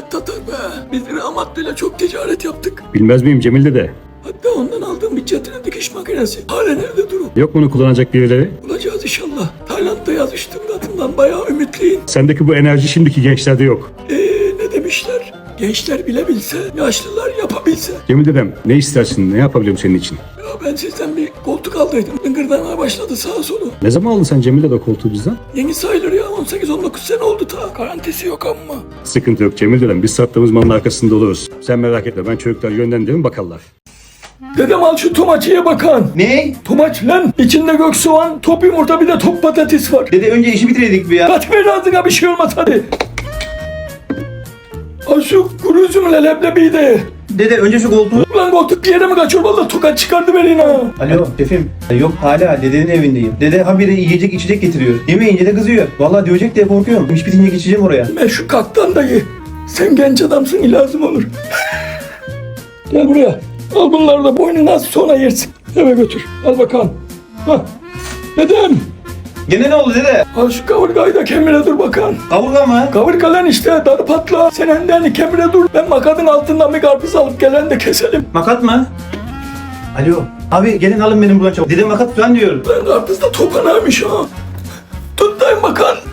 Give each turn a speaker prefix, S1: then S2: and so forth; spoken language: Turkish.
S1: Tatar be. Biz Rahmatlı'yla çok ticaret yaptık.
S2: Bilmez miyim Cemil dede?
S1: Hatta ondan aldığım bir çatının dikiş makinesi. Hala nerede durum?
S2: Yok bunu kullanacak birileri.
S1: Bulacağız inşallah. Tayland'da yazıştığım adından bayağı ümitliyim.
S2: Sendeki bu enerji şimdiki gençlerde yok.
S1: Ne demişler? Gençler bile bilse, yaşlılar yapabilse.
S2: Cemil dedem ne istersin, ne yapabilirim senin için?
S1: Ya ben sizden bir koltuk aldıydım. Dıngırdamaya başladı sağa solu.
S2: Ne zaman aldın sen Cemil dede koltuğu bizden?
S1: Yeni sayılır ya, 18-19 sene oldu ta. Garantisi yok ama.
S2: Sıkıntı yok Cemil dedem, biz sattığımız malın arkasında oluruz. Sen merak etme, ben çocuklar yönlendiririm bakarlar.
S1: Dedem al şu tomaçıya bakan.
S3: Ne?
S1: Tomaç lan. İçinde gök soğan, top yumurta, bir de top patates var.
S3: Dede önce işi bitireydik bir ya.
S1: Kaç ver ağzına, bir şey olmaz hadi. Al şu kuru üzümle leblebiyi de ye.
S3: Dede önce şu koltuğu...
S1: Ulan koltuk bir yere mi kaçıyor? Vallahi tokat çıkardı beni ha.
S3: Alo şefim. Yok hala dedenin evindeyim. Dede habire yiyecek içecek getiriyor. Yemeyince de kızıyor. Vallahi dövecek diye korkuyorum. İş bitince geçeceğim oraya.
S1: Ben şu kaktan da ye. Sen genç adamsın, lazım olur. Gel buraya. Al bunları da boynuna az, sonra yersin. Eve götür. Al bakalım. Hah. Dedem.
S3: Gene ne oldu dede?
S1: Al şu kaburgayı da kemire dur bakalım.
S3: Kavurga mı?
S1: Kaburga lan işte, darı patla. Sen endeni kemire dur. Ben makadın altından bir karpuz alıp gelen de keselim.
S3: Makat mı? Alo. Abi gelin alın benim buradan çabuk. Dedem makat falan diyor.
S1: Lan karpuz da topanaymış ha. Tut dayım bakalım.